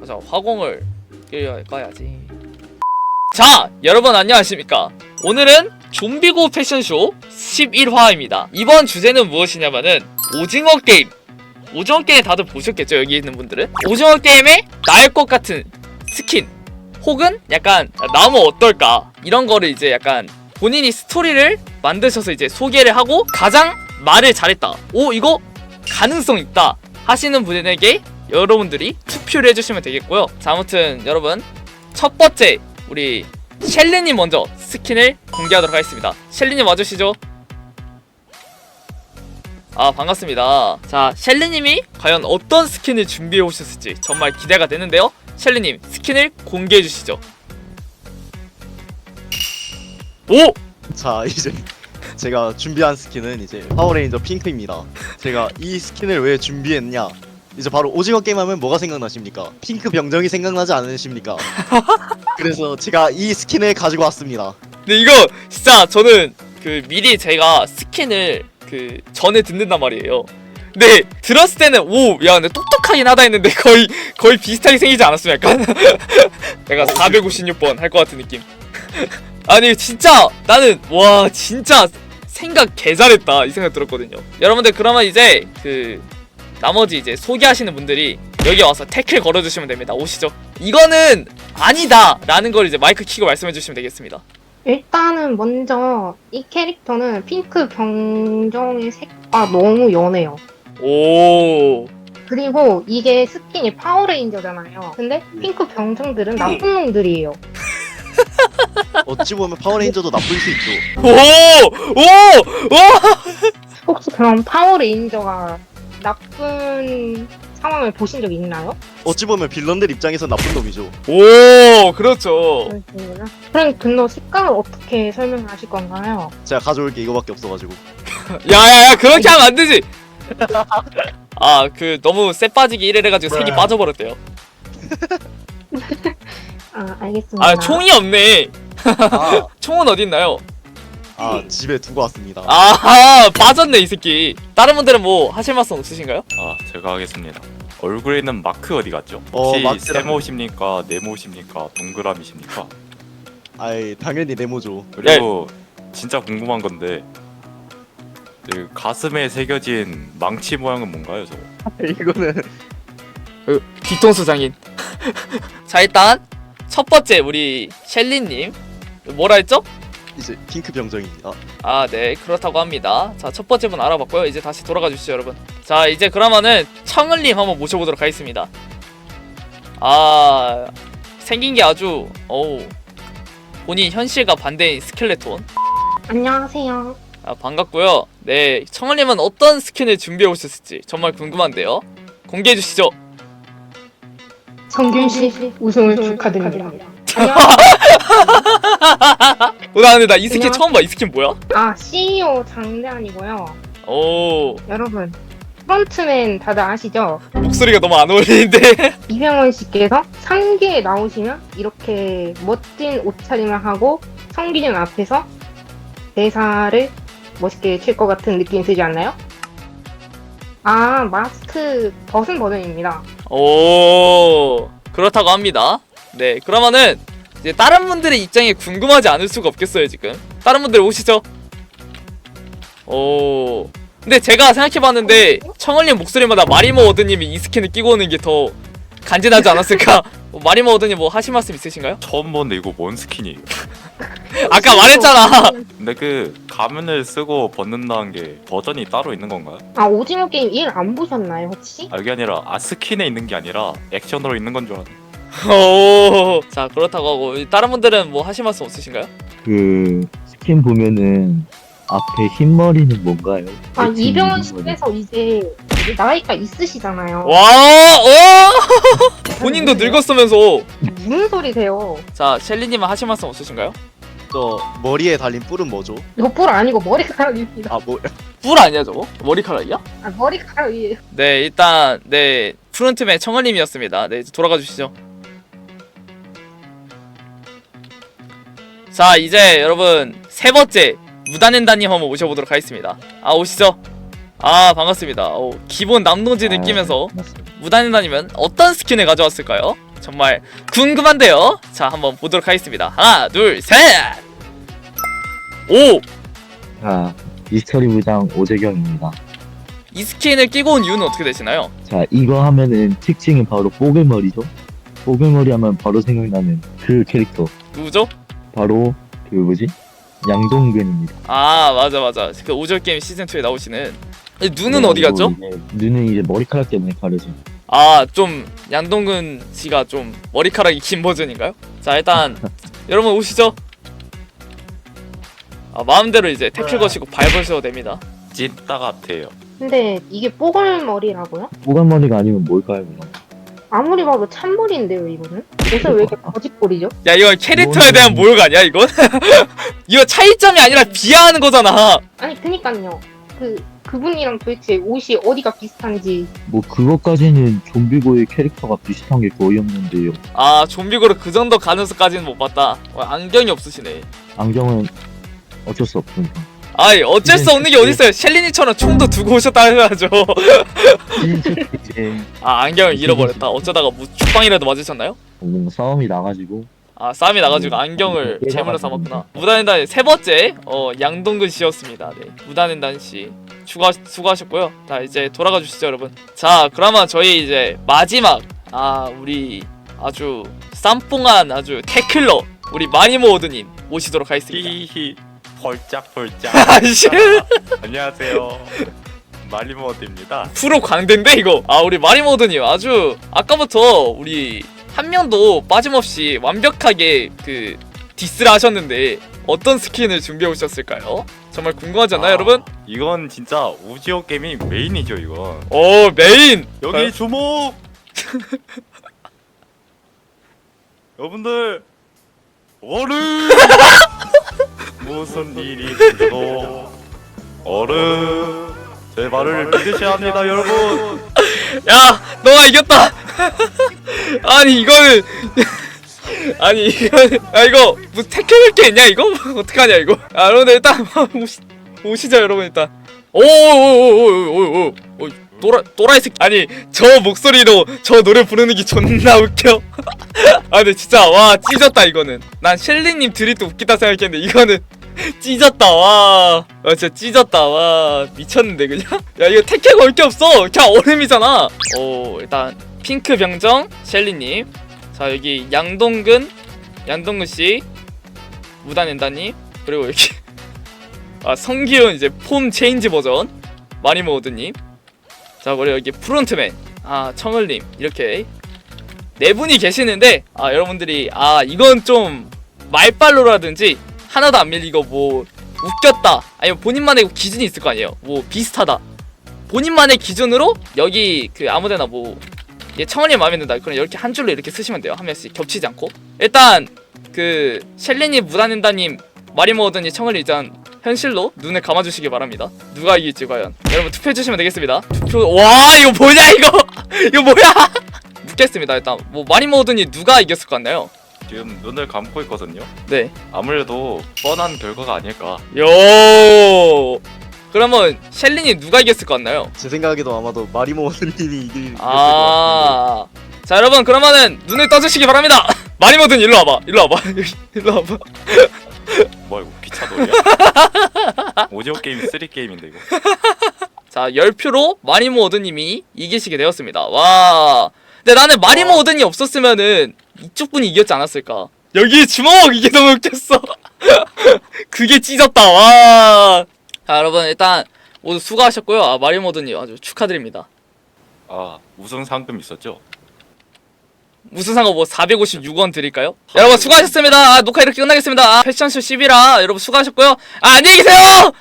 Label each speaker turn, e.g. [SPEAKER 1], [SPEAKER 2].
[SPEAKER 1] 자, 화공을 꺼야지. 자, 여러분 안녕하십니까. 오늘은 좀비고 패션쇼 11화입니다 이번 주제는 무엇이냐면은 오징어 게임. 오징어 게임 다들 보셨겠죠, 여기 있는 분들은. 오징어 게임에 나을 것 같은 스킨 혹은 약간 나무 어떨까, 이런 거를 이제 약간 본인이 스토리를 만드셔서 이제 소개를 하고 가장 말을 잘했다, 오 이거 가능성 있다 하시는 분에게 여러분들이 투표를 해주시면 되겠고요. 자, 아무튼 여러분 첫 번째 우리 셸리님 먼저 스킨을 공개하도록 하겠습니다. 셸리님 와주시죠. 아, 반갑습니다. 자, 셸리님이 과연 어떤 스킨을 준비해 오셨을지 정말 기대가 되는데요. 셸리님 스킨을 공개해 주시죠. 오!
[SPEAKER 2] 자, 이제 제가 준비한 스킨은 이제 파워레인저 핑크입니다. 제가 이 스킨을 왜 준비했냐, 이제 바로 오징어 게임 하면 뭐가 생각나십니까? 핑크 병정이 생각나지 않으십니까? 그래서 제가 이 스킨을 가지고 왔습니다.
[SPEAKER 1] 근데 이거 진짜 저는 그 미리 제가 스킨을 그 전에 듣는단 말이에요. 근데 들었을 때는 오, 야 근데 똑똑하긴 하다 했는데 거의 비슷하게 생기지 않았어 약간? 내가 456번 할 것 같은 느낌. 아니 진짜 나는 와 진짜 생각 개 잘했다 이 생각 들었거든요. 여러분들 그러면 이제 그 나머지 이제 소개하시는 분들이 여기 와서 태클 걸어주시면 됩니다. 오시죠. 이거는 아니다 라는 걸 이제 마이크 켜고 말씀해 주시면 되겠습니다.
[SPEAKER 3] 일단은 먼저 이 캐릭터는 핑크 병정의 색과 너무 연해요.
[SPEAKER 1] 오.
[SPEAKER 3] 그리고 이게 스킨이 파워레인저잖아요. 근데 핑크 병정들은 나쁜 놈들이에요.
[SPEAKER 2] 어찌 보면 파워레인저도 나쁠 수 있죠.
[SPEAKER 1] 오! 오! 오!
[SPEAKER 3] 혹시 그럼 파워레인저가 나쁜 상황을 보신 적 있나요?
[SPEAKER 2] 어찌 보면 빌런들 입장에서 나쁜 놈이죠.
[SPEAKER 1] 오! 그렇죠.
[SPEAKER 3] 그러시구나. 그럼 근데 색깔을 어떻게 설명하실 건가요?
[SPEAKER 2] 제가 가져올 게 이거밖에 없어가지고.
[SPEAKER 1] 야야야, 그렇게 하면 안 되지. 아, 그 너무 쎄 빠지기 이래 가지고 색이 빠져버렸대요.
[SPEAKER 3] 아, 알겠습니다.
[SPEAKER 1] 아, 총이 없네.
[SPEAKER 2] 아,
[SPEAKER 1] 총은 어디 있나요?
[SPEAKER 2] 집에 두고 왔습니다.
[SPEAKER 1] 아하, 빠졌네 이 새끼. 다른 분들은 뭐 하실 말씀 없으신가요?
[SPEAKER 4] 아, 제가 하겠습니다. 얼굴에 있는 마크 어디 갔죠?
[SPEAKER 2] 어,
[SPEAKER 4] 혹시
[SPEAKER 2] 마크랑-
[SPEAKER 4] 세모십니까? 네모십니까? 동그라미십니까?
[SPEAKER 2] 아이, 당연히 네모죠.
[SPEAKER 4] 그리고 진짜 궁금한 건데 그 가슴에 새겨진 망치 모양은 뭔가요, 저거?
[SPEAKER 2] 이거는
[SPEAKER 1] 뒤통수 장인. 자, 일단 첫 번째 우리 셸리님 뭐라 했죠?
[SPEAKER 2] 이제 핑크 병정입니다.
[SPEAKER 1] 아, 네, 그렇다고 합니다. 자, 첫 번째 분 알아봤고요. 이제 다시 돌아가 주시죠, 여러분. 자, 이제 그러면은 청을님 한번 모셔보도록 하겠습니다. 아, 생긴 게 아주 본인 현실과 반대인 스켈레톤.
[SPEAKER 3] 안녕하세요.
[SPEAKER 1] 아, 반갑고요. 네, 청을님은 어떤 스킨을 준비해 오셨을지 정말 궁금한데요. 공개해 주시죠.
[SPEAKER 3] 성균 씨 우승을 축하드립니다.
[SPEAKER 1] 나 근데 나 이 스킨
[SPEAKER 3] 그냥-
[SPEAKER 1] 처음 봐. 이 스킨 뭐야?
[SPEAKER 3] 아, CEO 장대한이고요.
[SPEAKER 1] 오,
[SPEAKER 3] 여러분, 프론트맨 다들 아시죠?
[SPEAKER 1] 목소리가 너무 안 어울리는데.
[SPEAKER 3] 이병헌 씨께서 3기에 나오시면 이렇게 멋진 옷차림을 하고 성기준 앞에서 대사를 멋있게 칠 것 같은 느낌이 들지 않나요? 아, 마스크 벗은 버전입니다.
[SPEAKER 1] 오, 그렇다고 합니다. 네, 그러면은 이제 다른 분들의 입장이 궁금하지 않을 수가 없겠어요. 지금 다른 분들 오시죠. 오, 근데 제가 생각해봤는데 청을님 목소리마다 마리모 워드님이 이 스킨을 끼고 오는 게 더 간지나지 않았을까? 마리모 워드님 뭐 하실 말씀 있으신가요?
[SPEAKER 4] 처음 보는데 이거 뭔 스킨이에요?
[SPEAKER 1] 아까 말했잖아.
[SPEAKER 4] 근데 그 가면을 쓰고 벗는다는 게 버전이 따로 있는 건가요?
[SPEAKER 3] 아, 오징어 게임 1 안 보셨나요, 혹시?
[SPEAKER 4] 아, 이게 아니라 스킨에 있는 게 아니라 액션으로 있는 건 줄 알았는데.
[SPEAKER 1] 오, 자, 그렇다고 하고 다른 분들은 뭐 하실 말씀 없으신가요?
[SPEAKER 5] 그 스킨 보면은 앞에 흰머리는 뭔가요?
[SPEAKER 3] 아,
[SPEAKER 5] 대체
[SPEAKER 3] 이병헌
[SPEAKER 5] 흰머리.
[SPEAKER 3] 씨께서 이제 나이가 있으시잖아요.
[SPEAKER 1] 와, 오, 본인도 늙었으면서.
[SPEAKER 3] 무슨 소리세요?
[SPEAKER 1] 자, 셸리님은 하실 말씀 없으신가요?
[SPEAKER 2] 저 머리에 달린 뿔은 뭐죠?
[SPEAKER 3] 이거 뿔 아니고 머리카락입니다.
[SPEAKER 2] 아, 뭐
[SPEAKER 1] 뿔 아니야 저거? 머리카락이야?
[SPEAKER 3] 아, 머리카락이에요.
[SPEAKER 1] 네, 일단 네, 프론트맨 청을님이었습니다. 네, 이제 돌아가 주시죠. 자, 이제 여러분 세 번째 무단횡단님 한번 모셔보도록 하겠습니다. 아, 오시죠. 아, 반갑습니다. 기본 남동지 느끼면서 무단횡단이면 어떤 스킨을 가져왔을까요? 정말 궁금한데요. 자, 한번 보도록 하겠습니다. 하나, 둘, 셋. 오!
[SPEAKER 5] 자, 미스터리 부장 오재경입니다.
[SPEAKER 1] 이 스킨을 끼고 온 이유는 어떻게 되시나요?
[SPEAKER 5] 자, 이거 하면은 특징이 바로 뽀글머리죠? 뽀글머리 하면 바로 생각나는 그 캐릭터.
[SPEAKER 1] 누구죠?
[SPEAKER 5] 바로 그 뭐지? 양동근입니다.
[SPEAKER 1] 아, 맞아. 그 오절 게임 시즌 2에 나오시는. 눈은
[SPEAKER 5] 그래가지고
[SPEAKER 1] 어디 갔죠?
[SPEAKER 5] 이제 눈은 이제 머리카락 때문에 가려지.
[SPEAKER 1] 아, 좀 양동근 씨가 좀 머리카락이 긴 버전인가요? 자, 일단 여러분 오시죠. 아, 마음대로 이제 태클 거시고 밟으셔도 됩니다.
[SPEAKER 4] 찐따 같아요.
[SPEAKER 3] 근데 이게 뽀글머리라고요?
[SPEAKER 5] 뽀글머리가 아니면 뭘까요, 그럼?
[SPEAKER 3] 아무리 봐도 참머리인데요, 이거는? 옷을 왜 이렇게 거짓골이죠?
[SPEAKER 1] 야, 이거 캐릭터에 대한 모욕 아니야, 이건? 이거 차이점이 아니라 비하하는 거잖아.
[SPEAKER 3] 아니, 그니까요. 그분이랑 도대체 옷이 어디가 비슷한지.
[SPEAKER 5] 뭐 그것까지는 좀비고의 캐릭터가 비슷한 게 거의 없는데요.
[SPEAKER 1] 아, 좀비고로 그 정도 가능성까지는 못 봤다. 안경이 없으시네.
[SPEAKER 5] 안경은 어쩔 수 없으니까.
[SPEAKER 1] 아이, 어쩔 수 없는 게 어딨어요. 셸리니처럼 총도 두고 오셨다 해야죠.
[SPEAKER 5] 이제
[SPEAKER 1] 아, 안경을 잃어버렸다. 어쩌다가 뭐 죽방이라도 맞으셨나요?
[SPEAKER 5] 뭔가 싸움이 나가지고
[SPEAKER 1] 아, 싸움이 나가지고 안경을 제물로 삼았구나. 무단횡단 세 번째 양동근 씨였습니다. 네, 무단횡단 씨 수고하셨고요. 자, 이제 돌아가 주시죠, 여러분. 자, 그러면 저희 이제 마지막 우리 아주 쌈뽕한 아주 태클러 우리 마니모 오드님 모시도록 하겠습니다.
[SPEAKER 4] 히히 펄짝펄짝.
[SPEAKER 1] 아씨,
[SPEAKER 4] 안녕하세요. 말리모드입니다.
[SPEAKER 1] 프로 광대인데 이거. 아, 우리 마니모 오드님 아주 아까부터 우리 한 명도 빠짐없이 완벽하게 그 디스를 하셨는데 어떤 스킨을 준비해 오셨을까요? 정말 궁금하지 않나요, 여러분?
[SPEAKER 4] 이건 진짜 오지오 게임이 메인이죠, 이건.
[SPEAKER 1] 오, 메인.
[SPEAKER 4] 여기 주목. 여러분들 얼음. 무슨 일이 있어도 얼음. 제 말을 믿으셔야 합니다, 여러분.
[SPEAKER 1] 야, 너가 이겼다. 아니 이거는 이거 무슨 태클할 게 있냐 이거? 어떡하냐 이거? 아, 여러분들 일단 오시죠, 여러분. 일단 오오오오오오 또라이 새끼. 아니, 저 목소리로 저 노래 부르는 게 존나 웃겨. 아, 근데 진짜 와, 찢었다 이거는. 난 셸리님 드립도 웃기다 생각했는데 이거는 찢었다. 와, 진짜 찢었다. 와, 미쳤는데 그냥. 야, 이거 태클 걸 게 없어. 그냥 얼음이잖아. 오, 일단 핑크 병정 셸리님. 자, 여기 양동근 씨, 무단엔다님, 그리고 여기 성기훈 이제 폼 체인지 버전 마니모드님. 자, 그리고 여기 프론트맨 청을님. 이렇게 네 분이 계시는데 여러분들이 이건 좀 말빨로라든지 하나도 안 밀리고 뭐 웃겼다 아니면 본인만의 기준이 있을 거 아니에요. 뭐 비슷하다 본인만의 기준으로 여기 그 아무데나 뭐 청원이 마음에 든다 그럼 이렇게 한 줄로 이렇게 쓰시면 돼요. 한 명씩 겹치지 않고. 일단 그 셸리님, 무단횡단님, 마리모어든이 청을 일단 현실로 눈을 감아주시기 바랍니다. 누가 이길지 과연 여러분 투표해주시면 되겠습니다. 투표. 와, 이거 뭐냐 이거. 이거 뭐야. 묻겠습니다. 일단 뭐 마리모어든이 누가 이겼을 것 같나요?
[SPEAKER 4] 지금 눈을 감고 있거든요.
[SPEAKER 1] 네.
[SPEAKER 4] 아무래도 뻔한 결과가 아닐까.
[SPEAKER 1] 요. 그러면 셸린이 누가 이겼을 것 같나요?
[SPEAKER 2] 제 생각에도 아마도 마리모님이 이길 것 같은데.
[SPEAKER 1] 자, 여러분 그러면은 눈을 떠주시기 바랍니다. 마리모든 일로 와봐. 일로 와봐.
[SPEAKER 4] 뭐야 이거 기차놀이야? 오지오 게임 3 게임인데 이거.
[SPEAKER 1] 자, 10표로 마리모 오드님이 이기시게 되었습니다. 와. 근데 나는 마리모 오드니 없었으면은 이쪽 분이 이겼지 않았을까. 여기 주먹! 이게 너무 웃겼어. 그게 찢었다. 와. 자, 여러분 일단 모두 수고하셨고요. 마리모 오드님 아주 축하드립니다.
[SPEAKER 4] 우승 상금 있었죠?
[SPEAKER 1] 무슨 상관 뭐 456원 드릴까요? 여러분 수고하셨습니다. 녹화 이렇게 끝나겠습니다. 패션쇼 11화 여러분 수고하셨고요. 안녕히 계세요.